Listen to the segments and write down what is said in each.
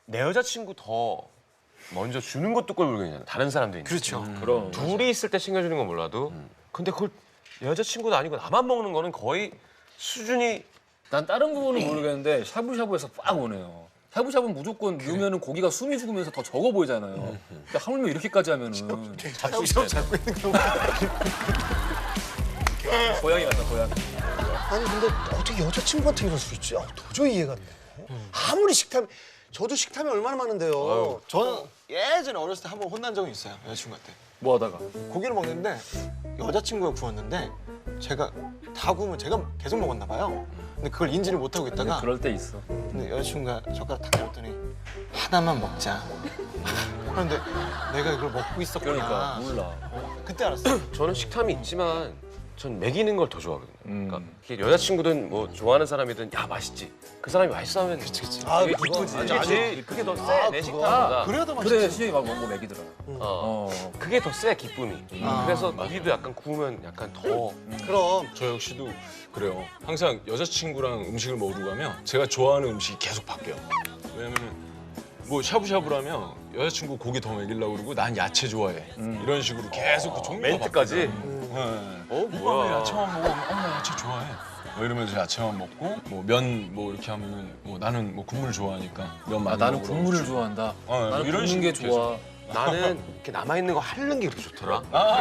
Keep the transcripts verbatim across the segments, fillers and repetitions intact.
내 여자친구 더 먼저 주는 것도 꼴불견이잖아. 다른 사람들이. 그렇죠. 음. 그럼 둘이 있을 때 챙겨주는 건 몰라도 음. 근데 그걸 내 여자친구도 아니고 나만 먹는 거는 거의 수준이 난 다른 부분은 모르겠는데 샤브샤브에서 빡 오네요. 샤브샤브는 무조건 넣으면은 고기가 숨이 죽으면서 더 적어 보이잖아요. 근데 하물며 이렇게까지 하면은 샤브샤브 잡고 있는 경우가 고양이 같다 고양이. 아니 근데 어떻게 여자친구한테 이럴 수 있지? 아, 도저히 이해가 안 돼. 아무리 식탐, 저도 식탐이 얼마나 많은데요. 저는 예전에 어렸을 때 한 번 혼난 적이 있어요. 여자친구한테. 뭐 하다가? 고기를 먹는데 여자친구가 구웠는데 제가 다 구우면 제가 계속 먹었나 봐요. 근데 그걸 인지를 못하고 있다가 그럴 때 있어. 근데 여자친구가 젓가락 탁 잡더니 하나만 먹자. 그런데 내가 이걸 먹고 있었구나. 그러니까 몰라. 그때 알았어요. 저는 식탐이 있지만 전 먹이는 걸 더 좋아하거든요. 음. 그러니까 이게 여자친구든 뭐 좋아하는 사람이든 야 맛있지. 그 사람이 맛있어 하면 그치 그치. 아, 그게 그거 기쁘지. 아니, 아니, 그게, 그게 더 세. 아, 내 그거. 식탐보다. 그래야 더 맛있지. 그래 시영이 막 먹는 거 먹이더라. 어. 어. 그게 더 세 기쁨이. 아. 그래서 우리도 약간 구우면 약간 더 그럼 저 역시도 그래요. 항상 여자친구랑 음식을 먹으러 가면 제가 좋아하는 음식이 계속 바뀌어요. 왜냐면은 뭐 샤브샤브라면 여자친구 고기 더 먹이려고 그러고 난 야채 좋아해. 이런 식으로 계속 그 종류가 멘트까지. 바뀌어요. 네. 어 오빠 왜 뭐야? 야채만 먹어? 어, 나 야채 좋아해. 뭐 이러면서 야채만 먹고 뭐 면 뭐 이렇게 하면은 뭐 나는 뭐 국물 좋아하니까 면 많이 아 나는 먹으라고 국물을 그러고. 좋아한다. 어, 나는 이런 굽는 게 식으로 좋아. 나는 이렇게 남아 있는 거 하는 게 그렇게 좋더라.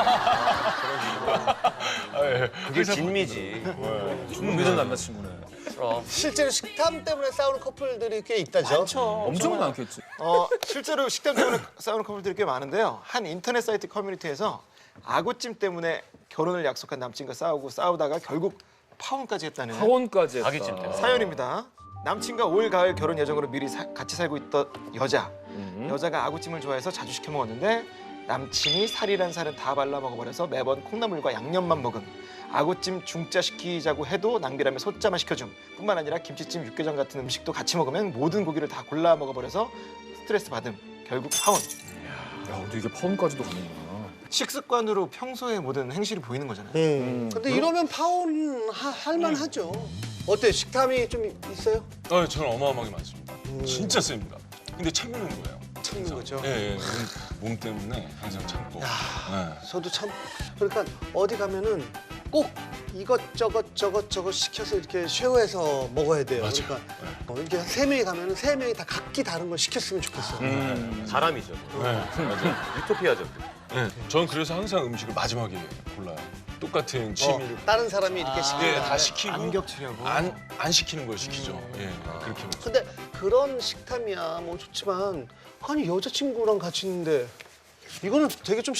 아, 예. 그게 진미지. 준비된 남자친구네. 그럼. 실제로 식탐 때문에 싸우는 커플들이 꽤 있다죠. 많죠. 엄청 많겠지. 어, 실제로 식탐 때문에 싸우는 커플들이 꽤 많은데요. 한 인터넷 사이트 커뮤니티에서 아구찜 때문에 결혼을 약속한 남친과 싸우고 싸우다가 결국 파혼까지 했다는 하원까지 했다. 아기찜 때문에. 사연입니다. 남친과 올 가을 결혼 예정으로 미리 사- 같이 살고 있던 여자. 음. 여자가 아구찜을 좋아해서 자주 시켜 먹었는데 남친이 살이란 살은 다 발라 먹어버려서 매번 콩나물과 양념만 먹음. 아구찜 중짜 시키자고 해도 낭비라며 소짜만 시켜줌. 뿐만 아니라 김치찜, 육개장 같은 음식도 같이 먹으면 모든 고기를 다 골라 먹어버려서 스트레스 받음. 결국 파혼. 야, 근데 이게 파혼까지도 가는구나. 식습관으로 평소의 모든 행실이 보이는 거잖아요. 음. 근데 이러면 파혼 하- 할만하죠. 어때? 식탐이 좀 있어요? 어, 저는 어마어마하게 많습니다. 진짜 셉니다. 근데 참는 거예요. 참는 거죠. 예, 예. 몸, 몸 때문에 항상 참고. 예. 저도 참 그러니까 어디 가면은 꼭 이것저것 저것저것 시켜서 이렇게 쉐어해서 먹어야 돼요. 맞아요. 그러니까 어, 이렇게 세 명이 가면은 세 명이 다 각기 다른 걸 시켰으면 좋겠어요. 음. 사람이죠. 네, 맞아요. 유토피아죠. 네, 저는 그래서 항상 음식을 마지막에 골라요. 똑같은 어, 취미를 다른 사람이 이렇게 시키는 예, 다 시키고 안 겹치려고. 안, 안 시키는 걸 시키죠. 예, 그렇게 먹어요. 근데 그런 식탐이야 뭐 좋지만 아니 여자친구랑 같이 있는데 이거는 되게 좀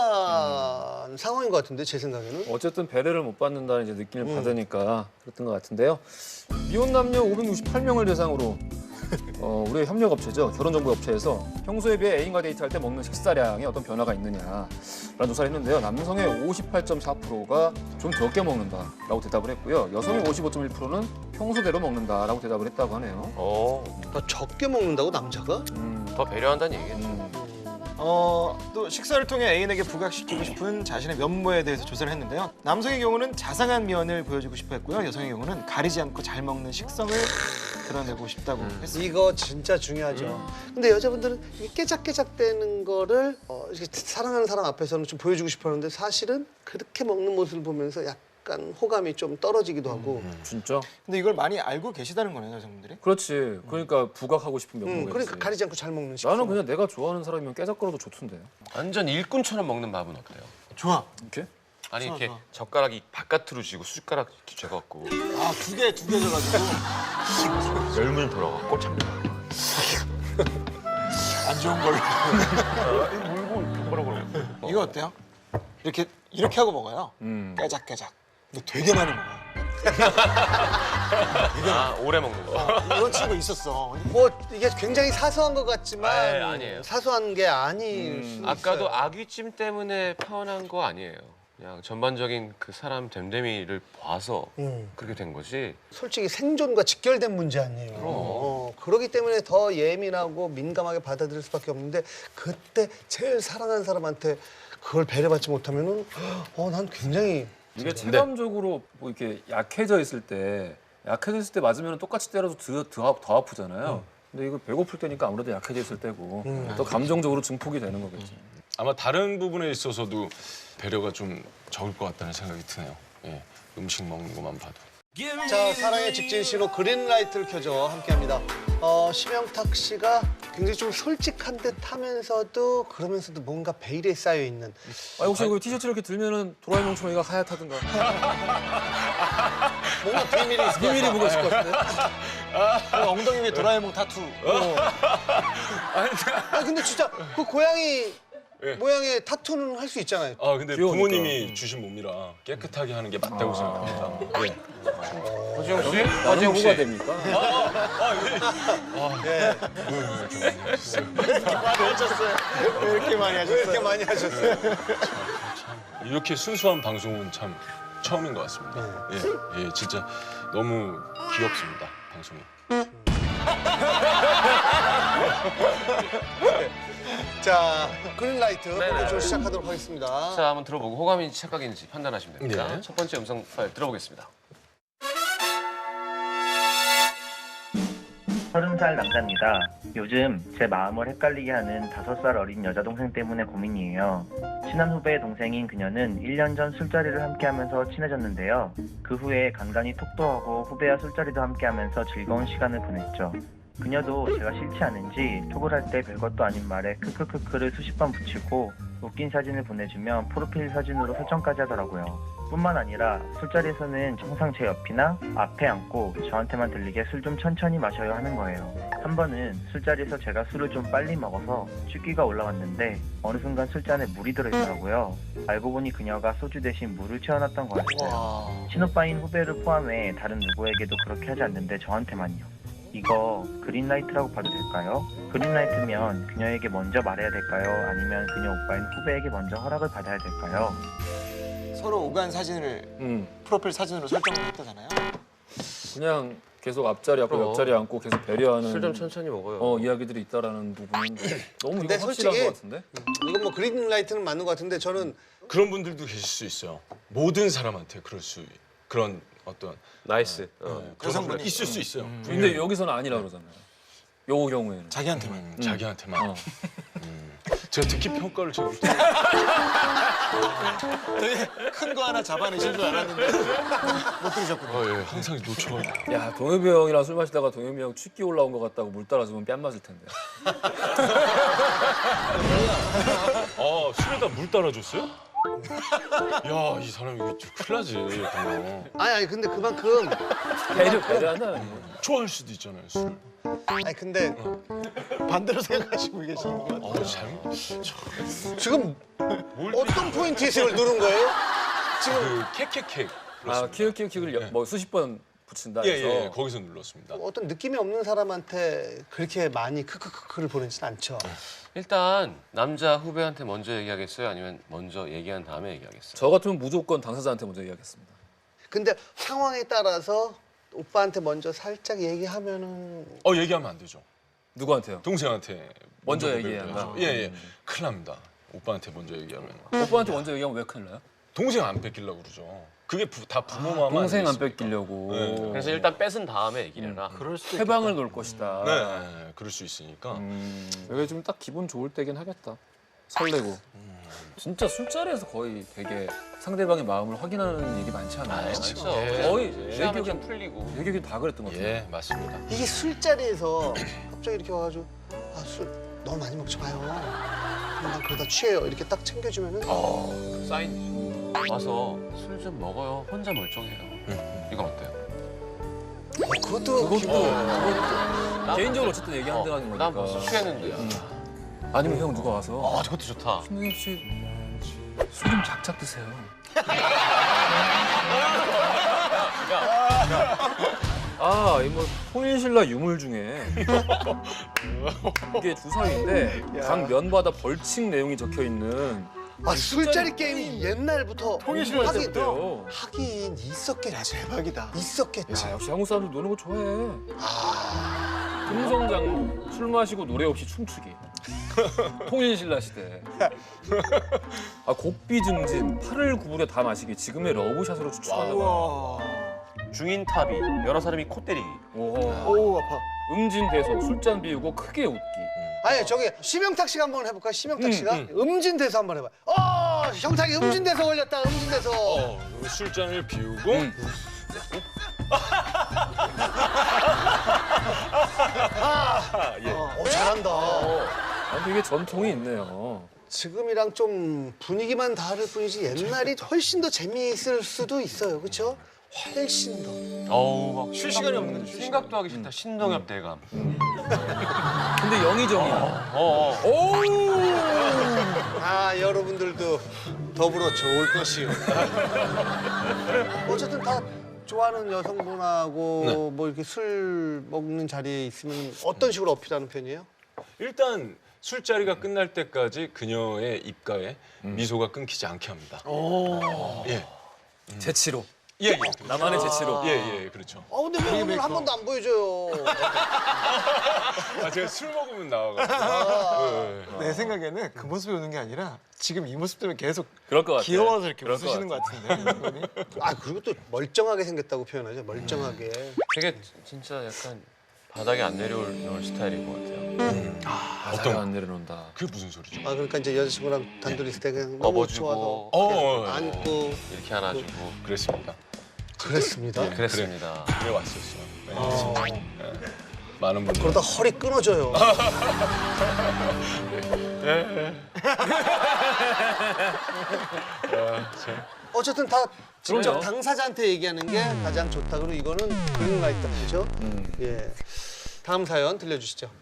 심각한 상황인 것 같은데 제 생각에는. 어쨌든 배려를 못 받는다는 이제 느낌을 음. 받으니까 그랬던 것 같은데요. 미혼 남녀 오백육십팔 명을 대상으로 어, 우리 협력업체죠. 결혼정보업체에서 평소에 비해 애인과 데이트할 때 먹는 식사량에 어떤 변화가 있느냐라는 조사를 했는데요. 남성의 오십팔 점 사 퍼센트가 좀 적게 먹는다라고 대답을 했고요. 여성의 오십오 점 일 퍼센트는 평소대로 먹는다라고 대답을 했다고 하네요. 어, 더 적게 먹는다고 남자가? 음, 더 배려한다는 얘기겠죠. 음. 어, 또 식사를 통해 애인에게 부각시키고 싶은 자신의 면모에 대해서 조사를 했는데요. 남성의 경우는 자상한 면을 보여주고 싶어 했고요. 여성의 경우는 가리지 않고 잘 먹는 식성을 드러내고 싶다고 했습니다. 이거 진짜 중요하죠. 근데 여자분들은 이게 깨작깨작대는 거를 어, 이렇게 사랑하는 사람 앞에서는 좀 보여주고 싶었는데 사실은 그렇게 먹는 모습을 보면서 약간 호감이 좀 떨어지기도 하고. 진짜? 근데 이걸 많이 알고 계시다는 거네요, 여성분들이. 그렇지. 그러니까 부각하고 싶은 음, 면모가 그러니까 있지. 가리지 않고 잘 먹는 식성. 나는 그냥 내가 좋아하는 사람이면 깨작거려도 좋던데. 완전 일꾼처럼 먹는 밥은 어때요? 좋아. 이렇게? 아니 좋아, 이렇게 좋아. 젓가락이 바깥으로 쥐고 숟가락 이렇게 쥐갖고 아, 두 개, 두 개 져가지고. 열문 돌아가 꼴참 안 좋은 걸로. 물고 뭐라고 그러고 이거 어때요? 이렇게, 이렇게 하고 먹어요. 음. 깨작깨작. 근데 되게 많이 먹어요. 아 오래 먹는 거. 이런 친구 있었어. 뭐 이게 굉장히 사소한 것 같지만 아이, 아니에요. 사소한 게 아닐 수 아까도 있어요. 아귀찜 때문에 파혼한 거 아니에요. 그냥 전반적인 그 사람 됨됨이를 봐서 음. 그렇게 된 거지. 솔직히 생존과 직결된 문제 아니에요. 어, 그렇기 때문에 더 예민하고 민감하게 받아들일 수밖에 없는데 그때 제일 사랑하는 사람한테 그걸 배려받지 못하면은 어, 난 굉장히 이게 체감적으로 뭐 이렇게 약해져 있을 때 약해져 있을 때 맞으면 똑같이 때려도 더, 더, 더 아프잖아요. 근데 이거 배고플 때니까 아무래도 약해져 있을 때고 음. 또 감정적으로 증폭이 되는 거겠지. 아마 다른 부분에 있어서도 배려가 좀 적을 것 같다는 생각이 드네요. 예, 음식 먹는 것만 봐도. 자, 사랑의 직진 신호 그린라이트를 켜줘 함께합니다. 어, 심영탁 씨가 굉장히 좀 솔직한 듯 하면서도 그러면서도 뭔가 베일에 쌓여 있는. 아 혹시 그 티셔츠 이렇게 들면은 도라에몽 초이가 하얗다든가 뭔가 비밀이 있을 것 비밀이 같아. 뭐가 있을 것 같은데? 어, 엉덩이 위에 도라에몽 타투. 아 근데 진짜 그 고양이 예. 모양의 타투는 할 수 있잖아요. 아 근데 귀여우니까. 부모님이 주신 몸이라 깨끗하게 하는 게 맞다고 생각합니다. 예. 허지영 씨? 나는 허지영 뭐가 씨. 됩니까? 많이 하셨어요. 왜 이렇게 많이 하셨어요? 왜 이렇게 많이 하셨어요? 이렇게 순수한 방송은 참 처음인 것 같습니다. 예, 예, 진짜 너무 귀엽습니다, 방송이. 자, 그린라이트 네네. 본격적으로 시작하도록 하겠습니다. 자, 한번 들어보고 호감인지 착각인지 판단하시면 됩니다. 네. 첫 번째 음성 파일 들어보겠습니다. 서른 살 남자입니다. 요즘 제 마음을 헷갈리게 하는 다섯 살 어린 여자 동생 때문에 고민이에요. 친한 후배의 동생인 그녀는 일 년 전 술자리를 함께하면서 친해졌는데요. 그 후에 간간히 톡도 하고 후배와 술자리도 함께하면서 즐거운 시간을 보냈죠. 그녀도 제가 싫지 않은지 톡을 할 때 별것도 아닌 말에 크크크크를 수십 번 붙이고 웃긴 사진을 보내주면 프로필 사진으로 설정까지 하더라고요. 뿐만 아니라 술자리에서는 항상 제 옆이나 앞에 앉고 저한테만 들리게 술 좀 천천히 마셔요 하는 거예요. 한 번은 술자리에서 제가 술을 좀 빨리 먹어서 취기가 올라왔는데 어느 순간 술잔에 물이 들어있더라고요. 알고 보니 그녀가 소주 대신 물을 채워놨던 거였어요. 친오빠인 후배를 포함해 다른 누구에게도 그렇게 하지 않는데 저한테만요. 이거 그린라이트라고 봐도 될까요? 그린라이트면 그녀에게 먼저 말해야 될까요? 아니면 그녀 오빠인 후배에게 먼저 허락을 받아야 될까요? 서로 오간 사진을 음, 프로필 사진으로 설정을 했다잖아요. 그냥 계속 앞자리 앞고 그럼. 옆자리 앉고 계속 배려하는 술 좀 천천히 먹어요. 어, 이야기들이 있다라는 부분은 너무 근데 이거 확실한 솔직히- 것 같은데? 이건 뭐 그린라이트는 맞는 것 같은데 저는 그런 분들도 계실 수 있어요. 모든 사람한테 그럴 수 그런 어떤 나이스. 어. 어, 그런 여성분이- 분이 있을 수 있어요. 근데 여기서는 아니라 그러잖아요. 요 경우에는. 자기한테만. 음, 자기한테만. 어. 제가 듣기 평가를 제가 되게 큰 거 하나 잡아내신 줄 알았는데 못 들으셨군요. 어, 예, 항상 놓쳐가지고. 야, 동엽이 형이랑 술 마시다가 동엽이 형 취기 올라온 것 같다고 물 따라주면 뺨 맞을 텐데. 아, 술에다 물 따라줬어요? 야, 이 사람 이거 좀 큰일 나지. 그냥. 아니 아니 근데 그만큼 배려, 배려한다는 거. 좋아할 수도 있잖아요, 술. 아니 근데 반대로 생각하시고 계시는 것 같아요. 아, 잘못. 지금 어떤 포인트에서 이걸 누른 거예요? 그 캑캑캑. 아, 키읔키읔키읔을 여- 뭐 수십 번 붙인다 예, 해서. 예, 거기서 눌렀습니다. 어떤 느낌이 없는 사람한테 그렇게 많이 크크크크를 보내진 않죠. 일단 남자 후배한테 먼저 얘기하겠어요? 아니면 먼저 얘기한 다음에 얘기하겠어요? 저 같으면 무조건 당사자한테 먼저 얘기하겠습니다. 근데 상황에 따라서 오빠한테 먼저 살짝 얘기하면은 어, 얘기하면 안 되죠. 누구한테요? 동생한테 먼저 고백을 얘기해야 한다? 해야죠. 예, 예. 큰일 납니다. 오빠한테 먼저 얘기하면. 오빠한테 먼저 얘기하면 왜 큰일 나요? 동생 안 뺏기려고 그러죠. 그게 부, 다 부모 마음 동생 안 아니겠습니까? 뺏기려고. 네. 그래서 일단 뺏은 다음에 얘기를 해라. 그럴 수도 해방을 놓을 것이다. 네, 네, 그럴 수 있으니까. 음, 이게 좀 딱 기분 좋을 때긴 하겠다. 설레고. 진짜 술자리에서 거의 되게 상대방의 마음을 확인하는 일이 많지 않아요? 그렇죠. 거의 내 취하면 기억엔 좀 풀리고. 내 기억엔 다 그랬던 것 같아요. 예, 맞습니다. 이게 술자리에서 갑자기 이렇게 와가지고 아 술 너무 많이 먹지 마요. 난 그러다 취해요. 이렇게 딱 챙겨주면은 어, 사인 와서 술 좀 먹어요. 혼자 멀쩡해요. 이건 어때요? 어, 그것도 그것도, 기분. 난- 개인적으로 어쨌든 얘기한다는 거니까. 난 벌써 취했는데. 아니면 형 누가 와서 아, 저것도 좋다. 신동엽 씨 술 좀 작작 드세요. 아, 이 뭐 통일신라 유물 중에 이게 주사위인데 각 면마다 벌칙 내용이 적혀 있는 아 술자리 게임이 옛날부터 통일신라 하긴 때부터요. 하긴 있었겠지. 대박이다. 있었겠지. 야, 역시 한국 사람들 노는 거 좋아해. 아 금성장로 술 마시고 노래 없이 춤추기. 통일신라 시대. 아, 곡비 증진, 팔을 구부려 다 마시기. 지금의 러브샷으로 추측한다. 우와. 중인 탑이 여러 사람이 코 때리기. 오, 오 아파. 음진대소, 술잔 비우고 크게 웃기. 아니 저기 심영탁 씨가 한번 해볼까? 심영탁 음, 씨가 음. 음진대소 한번 해봐. 어, 형탁이 음진대소 걸렸다. 음진대소. 어, 술잔을 비우고 음. 아, 예. 어, 잘한다. 아, 근데 이게 전통이 있네요. 지금이랑 좀 분위기만 다를 뿐이지 옛날이 훨씬 더 재미있을 수도 있어요. 그렇죠? 훨씬 더. 어우 막 쉴 시간이 없는 거죠. 생각도 하기 싫다. 신동엽 대감. 근데 영의정이야. 어, 어. 아 여러분들도 더불어 좋을 것이요. 어쨌든 다 좋아하는 여성분하고 뭐 이렇게 술 먹는 자리에 있으면 어떤 식으로 어필하는 편이에요? 일단 술자리가 끝날 때까지 그녀의 입가에 미소가 끊기지 않게 합니다. 예. 재치로. 예, 예. 나만의 재치로. 예, 예, 그렇죠. 아 근데 왜 오늘 한 번도 안 보여줘요? 아, 제가 술 먹으면 나와가지고. 예, 예. 내 생각에는 그 모습이 오는 게 아니라 지금 이 모습 때문에 계속 그럴 것 같아. 귀여워서 이렇게 그럴 것 웃으시는 것 같은데. 이분이? 아 그리고 또 멀쩡하게 생겼다고 표현하죠. 멀쩡하게. 되게 진짜 약간 바닥에 안 내려올 이런 스타일인 것 같아요. 어떤 안 내려놓는다. 그게 무슨 소리죠? 아 그러니까 이제 여자친구랑 단둘이 있을 때 그냥 너무 업어주고. 좋아서 어, 어, 어. 안고 이렇게 안아주고. 그랬습니다. 그랬습니다. 네, 그랬습니다. 그래 왔었어요. 네. 어, 많은 분들. 그러다 허리 끊어져요. 어쨌든 다 직접 그럼요. 당사자한테 얘기하는 게 가장 좋다. 그리고 이거는 그린라이트 그렇죠? 예. 다음 사연 들려주시죠.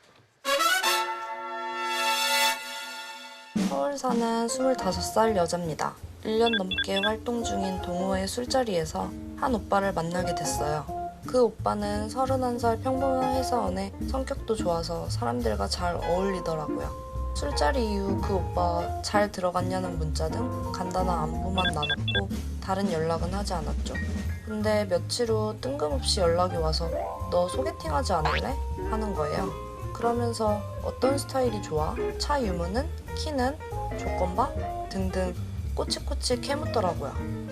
서울 사는 스물다섯 살 여자입니다. 일 년 넘게 활동 중인 동호회 술자리에서 한 오빠를 만나게 됐어요. 그 오빠는 서른한 살 평범한 회사원에 성격도 좋아서 사람들과 잘 어울리더라고요. 술자리 이후 그 오빠 잘 들어갔냐는 문자 등 간단한 안부만 나눴고 다른 연락은 하지 않았죠. 근데 며칠 후 뜬금없이 연락이 와서 너 소개팅하지 않을래? 하는 거예요. 그러면서 어떤 스타일이 좋아? 차 유무는? 키는? 조건바? 등등 꼬치꼬치 캐묻더라고요.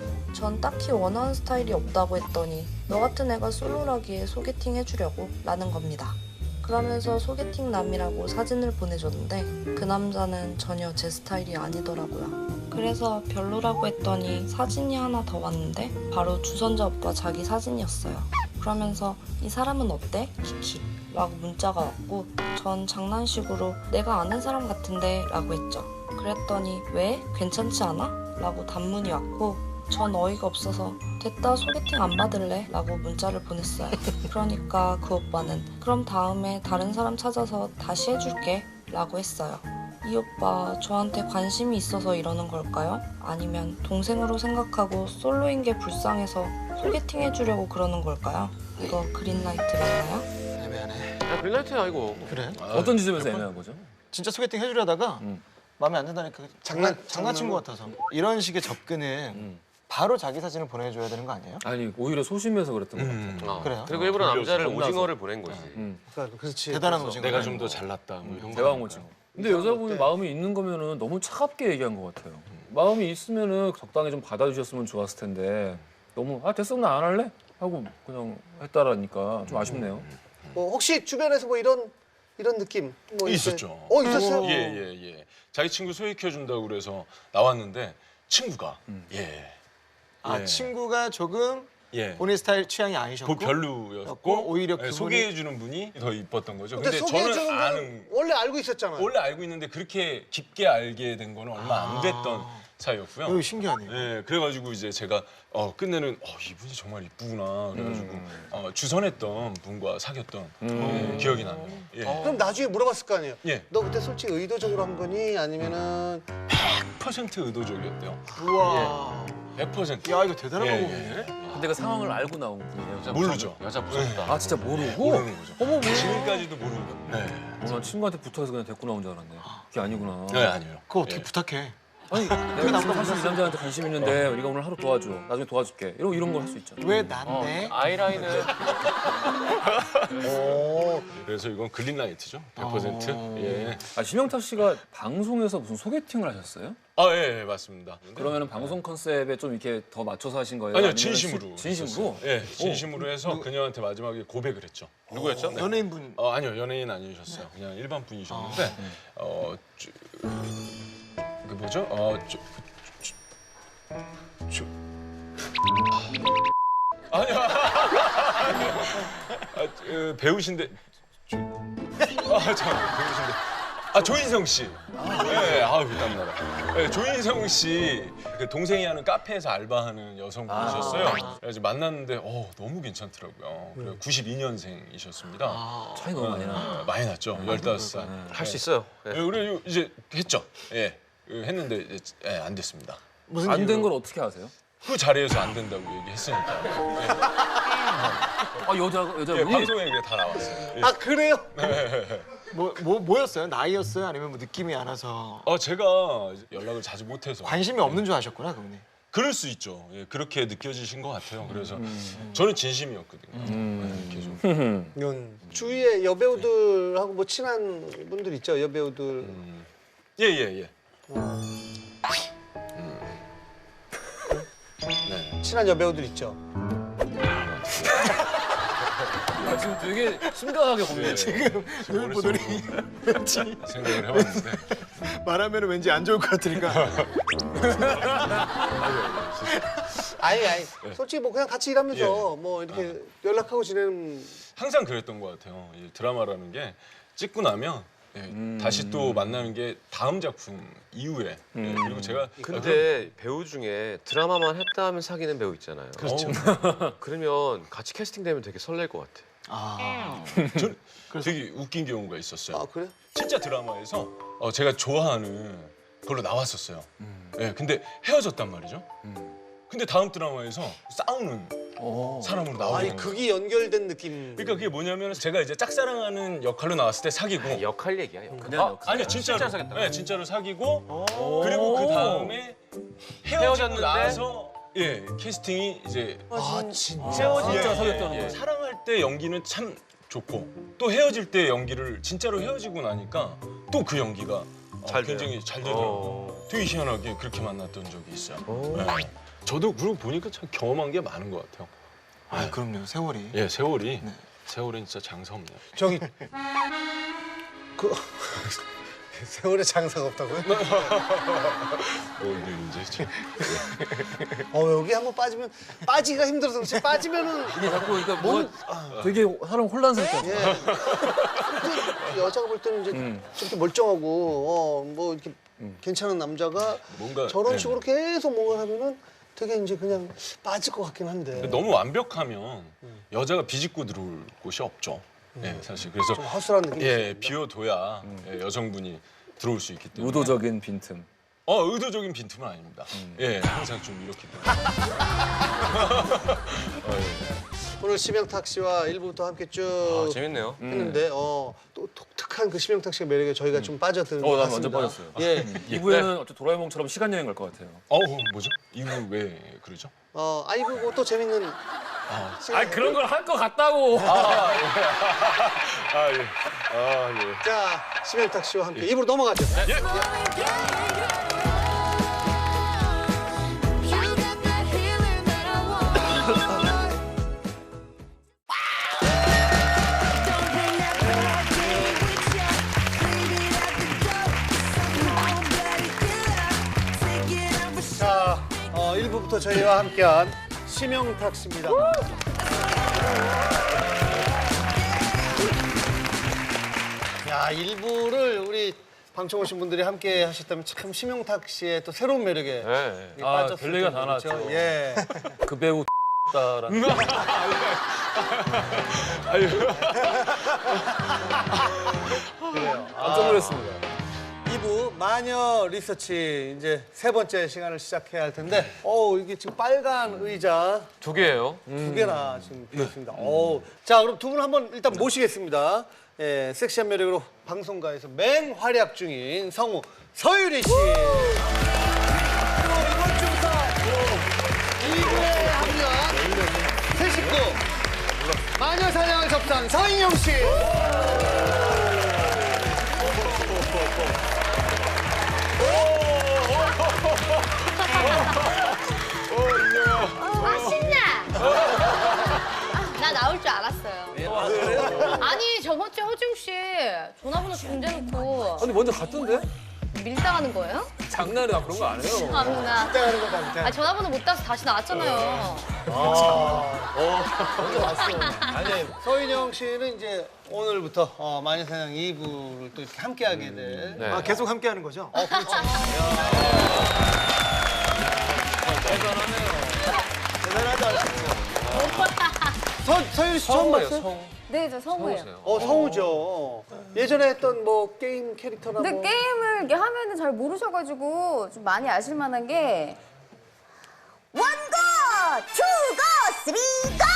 전 딱히 원하는 스타일이 없다고 했더니 너 같은 애가 솔로라기에 소개팅 해주려고 라는 겁니다. 그러면서 소개팅 남이라고 사진을 보내줬는데 그 남자는 전혀 제 스타일이 아니더라고요. 그래서 별로라고 했더니 사진이 하나 더 왔는데 바로 주선자 오빠 자기 사진이었어요. 그러면서 이 사람은 어때? 키키 라고 문자가 왔고 전 장난식으로 내가 아는 사람 같은데 라고 했죠. 그랬더니 왜? 괜찮지 않아? 라고 단문이 왔고 전 어이가 없어서 됐다 소개팅 안 받을래? 라고 문자를 보냈어요. 그러니까 그 오빠는 그럼 다음에 다른 사람 찾아서 다시 해줄게 라고 했어요. 이 오빠 저한테 관심이 있어서 이러는 걸까요? 아니면 동생으로 생각하고 솔로인 게 불쌍해서 소개팅 해주려고 그러는 걸까요? 이거 그린라이트 맞나요? 애매하네. 야, 그린라이트야 아이고. 그래? 어떤 지점에서 애매한 거죠? 진짜 소개팅 해주려다가 음. 마음에 안 든다니까 장난- 장난 장난친 것 같아서 이런 식의 접근은 음. 바로 자기 사진을 보내줘야 되는 거 아니에요? 아니 오히려 소심해서 그랬던 것 음. 같아요. 어. 그래요? 그리고 일부러 돌려서 남자를 혼나서. 오징어를 보낸 거지. 음. 그러니까 그렇지. 대단한 그래서 오징어. 내가 좀 더 잘났다. 뭐 이런 거. 대왕 오징어. 근데 여자분이 마음이 있는 거면은 너무 차갑게 얘기한 것 같아요. 마음이 있으면은 적당히 좀 받아주셨으면 좋았을 텐데 너무 아 됐어 나 안 할래 하고 그냥 했다라니까 좀 아쉽네요. 뭐 혹시 주변에서 뭐 이런 이런 느낌 뭐 이렇게- 있었죠. 어 있었어요? 예, 예, 예. 자기 친구 소개해 준다고 그래서 나왔는데 친구가 예. 아 예. 친구가 조금 예. 본인 스타일 취향이 아니셨고 그 별로였고 였고, 오히려 예, 그분이- 소개해 주는 분이 더 이뻤던 거죠. 근데, 근데, 소개해주는 저는 건 아는 원래 알고 있었잖아요. 원래 알고 있는데 그렇게 깊게 알게 된 거는 얼마 안 됐던 사이였고요. 이거 신기하네요. 예, 그래가지고 이제 제가 어, 끝내는 어, 이분이 정말 이쁘구나 그래가지고 어, 주선했던 분과 사귀었던 예, 기억이 나네요. 예. 그럼 나중에 물어봤을 거 아니에요. 예. 너 그때 솔직히 의도적으로 한 거니 아니면은 백 퍼센트 의도적이었대요. 우와. 백 퍼센트. 야 이거 대단한 예, 거네. 근데 그 상황을 알고 나온 분이에요. 여자 모르죠. 무섭다. 여자 무섭다. 아 진짜 모르고? 모르는 거죠. 어머 뭐야? 지금까지도 모르는 거예요. 네. 어, 난 친구한테 붙어서 그냥 데리고 나온 줄 알았네. 그게 아니구나. 네, 아니에요. 그거 어떻게 예. 부탁해? 아니 내가 지금 사실 이 남자한테 관심 있는데 우리가 오늘 하루 도와줘. 나중에 도와줄게. 이런 이런 걸 할 수 있잖아. 왜 난데? 아이라인은 오, 그래서 이건 그린라이트죠. 백 퍼센트. 예. 아, 심영탁 씨가 방송에서 무슨 소개팅을 하셨어요? 아, 예, 예, 맞습니다. 그러면은 방송 컨셉에 좀 이렇게 더 맞춰서 하신 거예요? 아니요, 아니면은 진심으로. 시- 진심으로? 했었어요. 예, 진심으로 해서 그녀한테 마지막에 고백을 했죠. 누구였죠? 네. 연예인분. 어, 아니요, 연예인 아니셨어요. 그냥 일반 분이셨는데, 어, 저, 그 뭐죠? 어, 저, 저, 저, 아니요, 아, 그, 배우신데, 저, 아, 저 배우신데, 아 조인성 씨. 네, 아우 땀나라. 네, 조인성 씨, 그 동생이 하는 카페에서 알바하는 여성분이셨어요. 그래서 만났는데, 어 너무 괜찮더라고요. 그리고 구십이 년생이셨습니다. 차이 너무 많이 나. 어, 많이 났죠. 열다섯 살. 할 수 있어요. 예. 네, 우리 이제 했죠. 예, 했는데 이제, 예, 안 됐습니다. 무슨 안 된 이유로? 걸 어떻게 아세요? 그 자리에서 안 된다고 얘기했으니까. 아 여자 예, 여자분이 방송에 그게 다 나왔어요. 예. 아 그래요? 뭐, 뭐 뭐였어요? 나이였어요? 아니면 뭐 느낌이 안 와서 어 제가 연락을 자주 못해서 관심이 없는 줄 아셨구나, 그분이. 그럴 수 있죠. 예, 그렇게 느껴지신 것 같아요. 그래서 저는 진심이었거든요. 네, 계속. 음. 주위에 여배우들하고 뭐 친한 분들 있죠? 여배우들. 음. 예, 예, 예. 네. 친한 여배우들 있죠? 아, 지금 되게 심각하게 고민해요. 지금 머릿속으로 생각을 해봤는데 말하면 왠지 안 좋을 것 같으니까. 아니 아니. 솔직히 뭐 그냥 같이 일하면서 뭐 이렇게 연락하고 지내는. 항상 그랬던 것 같아요. 이 드라마라는 게 찍고 나면 예, 다시 또 만나는 게 다음 작품 이후에 예, 그리고 제가 근데 배우 중에 드라마만 했다 하면 사귀는 배우 있잖아요. 그렇죠. 그러면 같이 캐스팅되면 되게 설렐 것 같아. 아, 전 되게 웃긴 경우가 있었어요. 아 그래? 진짜 드라마에서 어, 제가 좋아하는 걸로 나왔었어요. 예, 근데 헤어졌단 말이죠. 근데 다음 드라마에서 싸우는 어. 사람으로 나오는 아니 거예요. 극이 연결된 느낌. 그러니까 그게 뭐냐면 제가 이제 짝사랑하는 역할로 나왔을 때 사귀고 역할 얘기야. 역할. 그냥 아, 역할. 아니요 진짜로 진짜 사귀었다. 네, 진짜로 사귀고 그리고 그 다음에 헤어지고 헤어졌는데? 나서 예 캐스팅이 이제 아 진짜. 진짜 예, 사귀었다는 예, 거예요. 사랑할 때 연기는 참 좋고 또 헤어질 때 연기를 진짜로 헤어지고 나니까 또 그 연기가 어, 잘 돼요. 굉장히 잘 되더라고요. 어. 되게 희한하게 그렇게 만났던 적이 있어요. 오. 예. 저도 그러고 보니까 참 경험한 게 많은 것 같아요. 아 그럼요, 세월이. 예, 세월이 네. 세월은 진짜 장사 없네요. 저기 그 세월에 장사가 없다고요? 오늘 이제 좀- 어 여기 한번 빠지면 빠지기가 힘들어서 그렇지 빠지면은 이게 자꾸 그러니까 뭐 되게 사람 혼란스럽잖아. 예. 근데 여자가 볼 때는 이제 음. 저렇게 멀쩡하고 어 뭐 이렇게 괜찮은 남자가 뭔가 저런 네. 식으로 계속 뭔가 하면은 되게 이제 그냥 빠질 것 같긴 한데. 근데 너무 완벽하면 여자가 비집고 들어올 곳이 없죠. 예, 사실 그래서 좀 허술한 느낌이 예, 있습니다. 비워둬야 예, 여성분이 들어올 수 있기 때문에. 의도적인 빈틈. 어, 의도적인 빈틈은 아닙니다. 예, 항상 좀 이렇기 때문에. 어, 예. 오늘 심영탁 씨와 일부부터 함께 쭉 아, 재밌네요. 했는데 어, 또 독특한 그 심영탁 씨의 매력에 저희가 좀 빠져드는 어, 것 난 같습니다. 완전 빠졌어요. 예. 이 부에는 어째 도라에몽처럼 시간 여행 갈 것 같아요. 어, 뭐죠? 이거 왜 그러죠? 어, 아이고 뭐또 재밌는 아, 아 그런 걸 할 것 같다고. 아, 예. 아, 예. 자 심영탁 씨와 함께 입으로 넘어가죠. You got that healing that I want. Don't bring that bad thing with ya. Leave it at the door. Some bloody killer. Take it out for sure. 자 어, 일부부터 저희와 함께한 심영탁 씨입니다. 야 일부를 우리 방청 오신 분들이 함께 하셨다면 참 심영탁 씨의 또 새로운 매력에 네. 아, 빠졌을 별 얘기가 다 텐데, 그렇죠? 나왔죠. 예. 그 배우 다라는. 그래요. 깜짝 놀랐습니다. 이 부 마녀 리서치 이제 세 번째 시간을 시작해야 할 텐데, 어 이게 지금 빨간 의자 두 개예요. 두 개나 지금 비어 있습니다. 어, 자 그럼 두 분 한번 일단 모시겠습니다. 예, 섹시한 매력으로 방송가에서 맹활약 중인 성우 서유리 씨. 마녀 사냥을 접수한 서인영 씨. 아 신나. 나 나올 줄 알았어요. 아니 저번 주에 허중 씨 전화번호 중대놓고 근데 먼저 갔던데? 밀당하는 거예요? 장난이야 그런 거 안 해요. 아나. 하는 거다 밑에. 아 전화번호 못 따서 다시 나왔잖아요. 먼저 왔어. 아니 서인영 씨는 이제 오늘부터 어, 마녀 사냥 이 부를 또 이렇게 함께하게 될. 네. 아, 계속 함께 하는 거죠? 어, 그렇죠. 대단하지 않습니까? 서, 서유리 씨 처음 성우예요, 봤어요? 성우. 네, 저 성우예요. 성우세요. 어, 성우죠. 예전에 했던 뭐 게임 캐릭터나 근데 뭐. 게임을 이렇게 하면은 잘 모르셔가지고 좀 많이 아실 만한 게 원고, 투고, 쓰리고!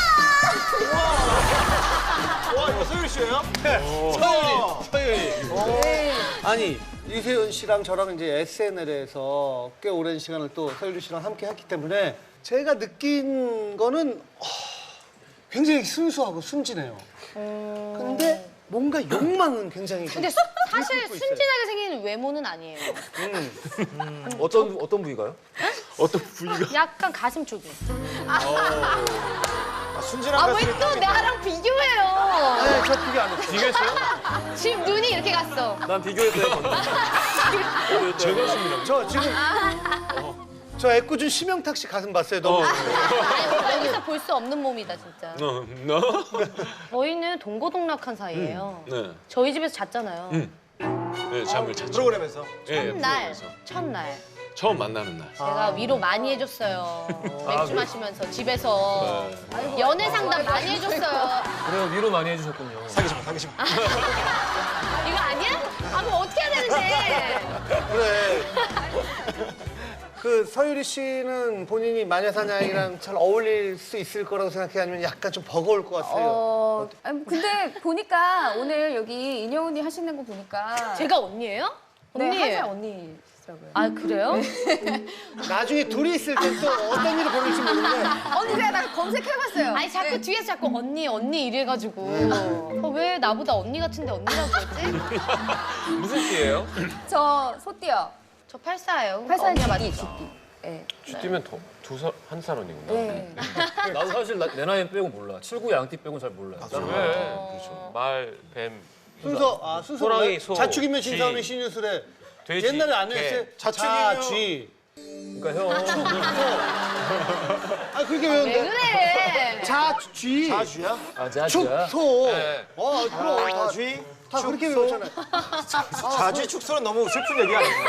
와, 이거 소율 씨예요? 서유리, 서유리. 네. 아니 유세윤 씨랑 저랑 이제 에스엔엘에서 꽤 오랜 시간을 또 서유리 씨랑 함께 했기 때문에 제가 느낀 거는 어, 굉장히 순수하고 순진해요. 근데 뭔가 욕망은 굉장히 좀 근데 수- 사실 들끓고 있어요. 순진하게 생긴 외모는 아니에요. 어떤 어떤 부위가요? 어떤 부위가 약간 가슴 쪽이. 아, 순진한 아 왜 가수를 또 나랑 비교해요? 네, 저 그게 안 했어요. 비교했어요? 지금 눈이 이렇게 갔어. 난 비교했어요. 먼저. 제 가슴이랑 저 지금 저 애꿎은 심영탁 씨 가슴 봤어요. 너무. 아니 여기서 볼 수 없는 몸이다 진짜. 어, 너? 저희는 동고동락한 사이예요. 네. 저희 집에서 잤잖아요. 음. 네, 잠을 잤죠. 프로그램에서. 예, 첫날, 프로그램에서. 첫날. 처음 만나는 날. 제가 위로 많이 해줬어요. 맥주 마시면서 집에서 연애 상담 많이 해줬어요. 그래요 위로 많이 해주셨군요. 사귀지 마, 사귀지 마. 이거 아니야? 아 그럼 어떻게 해야 되는데? 그래. 그 서유리 씨는 본인이 마녀사냥이랑 잘 어울릴 수 있을 거라고 생각해 아니면 약간 좀 버거울 것 같아요. 어, 아니, 근데 보니까 오늘 여기 인영 언니 하시는 거 보니까 제가 언니예요? 언니. 네, 한살 언니시더라고요. 아 그래요? 나중에 둘이 있을 때 또 어떤 일이 벌어질지 모르는데 언니 제가 나 검색해봤어요. 아니 자꾸 네. 뒤에서 자꾸 언니 언니 이래가지고 어, 왜 나보다 언니 같은데 언니라고 그러지? 무슨 띠예요? 저 소띠요. 저 팔사예요. 팔살 언니가 쥐띠, 맞죠? 쥐띠. 네. 쥐띠면 더두살한 살 언니구나. 네. 나도 사실 나, 내 나이 빼고 몰라. 칠구 양띠 빼고는 잘 몰라요. 왜? 그렇죠. 말, 뱀, 순서 아 순서 호랑이, 소, 자축이면 쥐. 진사오미 신유술에 돼지, 옛날에 안 개. 했어요. 자축이면- 자쥐. 그러니까 형 아 그렇게 왜 외운데. 그래? 자쥐. 자주야? 아자자. 축소. 네. 어 그럼 다, 자주? 다 그렇게 외웠잖아요. 자주 축소는 너무 슬픈 얘기 아니에요?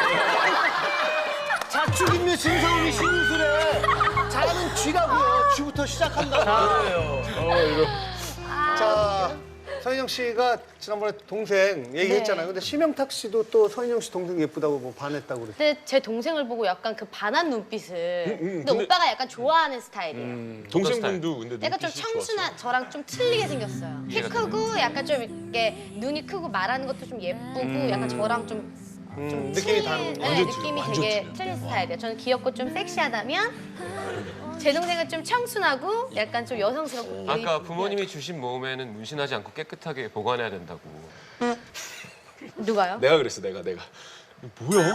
자축이면 진사오미 신유술에 자는 쥐라고요. 쥐부터 시작한다고. 자, 서인영 씨가 지난번에 동생 얘기했잖아요. 근데 심영탁 씨도 또 서인영 씨 동생 예쁘다고 뭐 반했다고 그랬어요. 근데 제 동생을 보고 약간 그 반한 눈빛을. 근데, 근데- 오빠가 약간 좋아하는 스타일이에요. 음, 동생분도 근데 약간 좀 눈빛이 청순한 좋았어. 저랑 좀 틀리게 생겼어요. 키 크고 약간 좀 이렇게 눈이 크고 말하는 것도 좀 예쁘고 약간 저랑 좀, 좀 음, 느낌이 틀린- 다른 거. 네, 완전 느낌이 틀려, 완전 되게 틀려. 틀린 스타일이에요. 저는 귀엽고 좀 섹시하다면 제 동생은 좀 청순하고 약간 좀 여성스럽고 아까 부모님이 주신 몸에는 문신하지 않고 깨끗하게 보관해야 된다고. 누가요? 내가 그랬어, 내가 내가. 뭐야?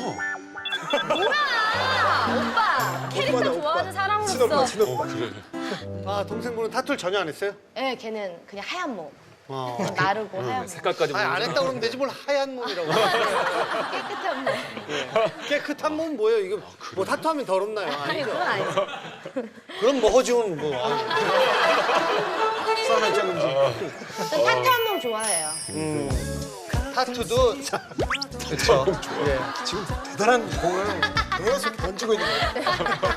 오빠 캐릭터 좋아하는 사람으로서 어, 그래. 아, 동생분은 타투를 전혀 안 했어요? 네, 걔는 그냥 하얀 몸 어. 마르고 하얀 몸 색깔까지 아니, 안 모르죠. 했다 그러면 되지 뭘 하얀 몸이라고. 깨끗한 몸 깨끗한 몸 뭐예요? 이거 뭐 타투하면 더럽나요? 아니 아니죠. 그건 아니죠. 그럼 뭐 허지훈 뭐. 아니. 싸움을 짝은지. 전 타투한 몸 좋아해요. 타투도 그렇죠. 예. 지금 대단한 공을 계속 던지고 있는 거예요.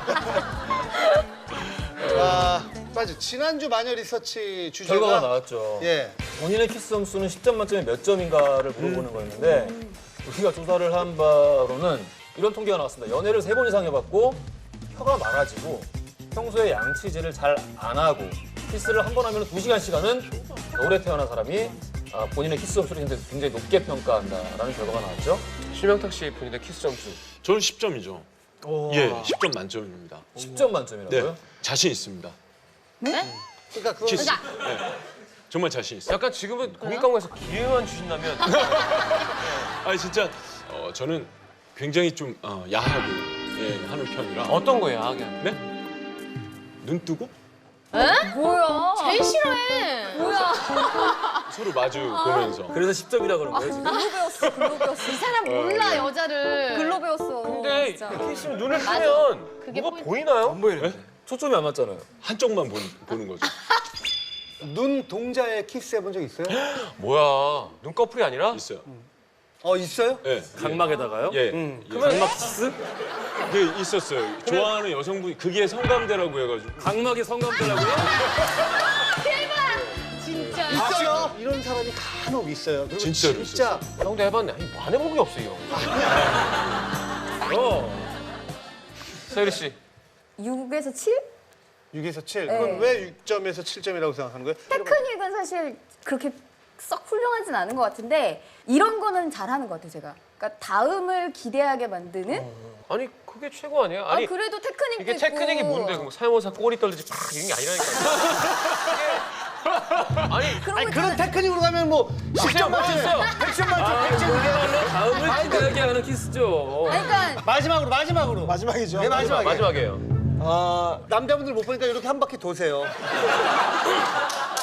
아, 맞아. 지난주 마녀 리서치 주제가 결과가 나왔죠. 예. 본인의 키스 점수는 십 점 만점에 몇 점인가를 물어보는 거였는데 우리가 조사를 한 바로는 이런 통계가 나왔습니다. 연애를 세 번 이상 해봤고 혀가 많아지고 평소에 양치질을 잘 안 하고 키스를 한 번 하면 두 시간씩 하는 겨울에 태어난 사람이 아, 본인의 키스 점수를 굉장히 높게 평가한다라는 결과가 나왔죠. 심영탁 씨 본인의 키스 점수. 저는 십 점이죠. 예, 십 점 만점입니다. 십 점 만점이라고요? 네, 자신 있습니다. 네? 그러니까 그거 키스. 그러니까 정말 자신 있어요. 약간 지금은 고깃강에서 기회만 주신다면 아니 진짜 어, 저는 굉장히 좀 어, 야하게 예, 하는 편이라. 어떤 거예요, 야하게 하면? 네? 눈 뜨고 뭐야? 제일 싫어해. 뭐야? 서로 마주 보면서. 그래서 십 점이라 그런 거예요 지금? 글로 배웠어. 글로 배웠어. 이 사람 몰라 여자를. 글로 배웠어. 근데 진짜. 이렇게 있으면 눈을 뜨면 그게 뭐가 포인트. 보이나요? 네? 초점이 안 맞잖아요. 한쪽만 보는, 보는 거죠. 눈 동자에 키스해 본 적 있어요? 뭐야, 눈꺼풀이 아니라? 있어요. 어 있어요? 예. 각막에다가요? 예. 음. 예. 각막 키스? 그 있었어요. 좋아하는 여성분이 그게 성감대라고 해가지고. 각막이 성감대라고요? 진짜. 있어요. 이런 사람이 간혹 있어요. 그리고 진짜로 진짜 형도 해봤네. 아니, 뭐 안 해본 게 없어, 이 형. 어. 서유리 씨. 육에서 칠? 육에서 칠. 네. 그럼 왜 육 점에서 칠 점이라고 생각하는 거예요? 테크닉은 사실 그렇게 썩 훌륭하진 않은 것 같은데 이런 거는 잘하는 것 같아요, 제가. 그러니까 다음을 기대하게 만드는. 아니, 그게 최고 아니에요? 아니, 아 그래도 테크닉도 이게 있고. 테크닉이 뭔데? 뭐 사용사 꼬리 떨리지 팍 이런 게 아니라니까. 이게 아니, 그런 아니 거 그런 있잖아요. 테크닉으로 가면 뭐 십 점 맞췄어요. 백 점 만점, 백 점 그야말로 다음을 기대하게 하는 키스죠. 아니, 그러니까 마지막으로 마지막으로 마지막이죠. 네, 마지막에. 마지막이에요. 어, 남자분들 못 보니까 이렇게 한 바퀴 도세요.